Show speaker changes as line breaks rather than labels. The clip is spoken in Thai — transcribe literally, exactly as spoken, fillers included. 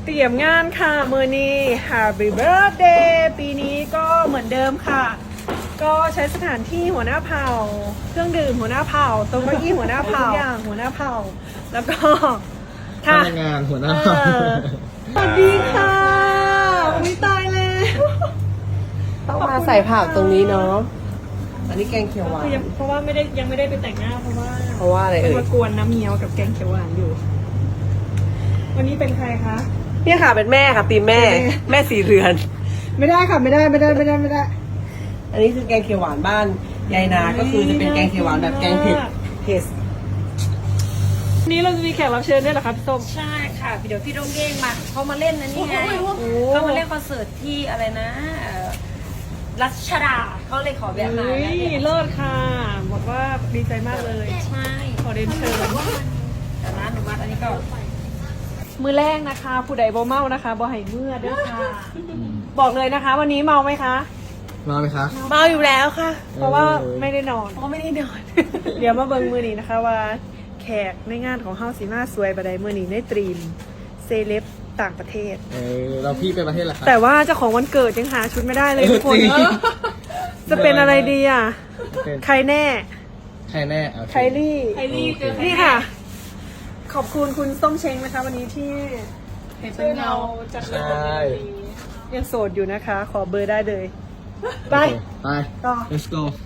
เตรียมงานค่ะมือนี้ Happy Birthday ปีนี้ก็เหมือนเดิมค่ะ ก็ใช้สถานที่หัวหน้าเผ่าเครื่องดื่มหัวหน้าเผ่าโต๊ะเก้าอี้หัวหน้าเผ่าทุกอย่างหัวหน้าเผ่าแล้วก็
พนักงานหัวหน้า
เออสวัสดีค่ะอุ้ยตายแล้ว
ต้องมาใส่ผักตรงนี้เนาะ อันนี้แกงเขียวหวาน
คือยังเพราะว่าไม่ได้ยังไม่ได้ไปแต่งหน้าเพราะว่า
เพราะว่าอะไร
เป็น
เอ่ย
มากวนน้ำเงี้ยวกับแกงเขียวหวานอยู่ วันนี้เป็นใครคะ
เนี่ยค่ะเป็นแม่ค่ะตีมแม่
เป็นแม่
แม่สีเรือน
ไม่ได้ค่ะไม่ได้ไม่ได้ไม่ได้ไม่ได้
อันนี้คือแกงเขียวหวานบ้านยายนา ก็คือจะเป็นแกงเขียวหวานแบบแกงเผ็ดเผ็ด
วันนี้เราจะมีแขกรับเชิญด้วยเหรอคะพี่ส้ม
ใช่ค่ะเดี๋ยวพี่โดงเก้งมาเขามาเล่นนะนี่ไง
โอ้
เขามาเล่นคอนเสิร์ตที่อะไรนะเอ่อรัชดาเขาเลยขอแบบมา
เฮ้ย
เนี่ย
เลิศค่ะ บอกว่าดีใจมากเลย
ใช่
ขอเรียนเชิญ
แต่ร้านหนูมาอันนี้ก็
มือแรกนะคะ ผู้ใดบ่เมานะคะบ่ให้เมื่อด้วยค่ะ บอกเลยนะคะ วันนี้เมาไหมคะ
มาไหมคะ
เมาอยู่แล้วค่ะ
เพราะว่าไม่ได้นอน
เพราะไม่ได้นอน
เดี๋ยวมาเบิ่งมือนี้นะคะว่าแขกในงานของเฮาสีมาสวยบดายมือนี้ในตรีมเซเลบต่างประเทศ
เออเราพี่ไปประเทศละครับ
แต่ว่าเจ้าของวันเกิดยังหาชุดไม่ได้เลยทุกคน
จริง
จะเป็นอะไรดีอ่ะ
เป็น
ใครแน่
ใครแน่โอเค
ไคลี่
ไอรี่เจอใคร
นี่ค่ะ ขอบคุณคุณส้มเช้งนะคะ วันนี้ที่ช่วยเราจัดเรื่องนี้ยังโสดอยู่นะคะ ขอเบอร์ได้เลย ไป
ไป
ต่อ
let's go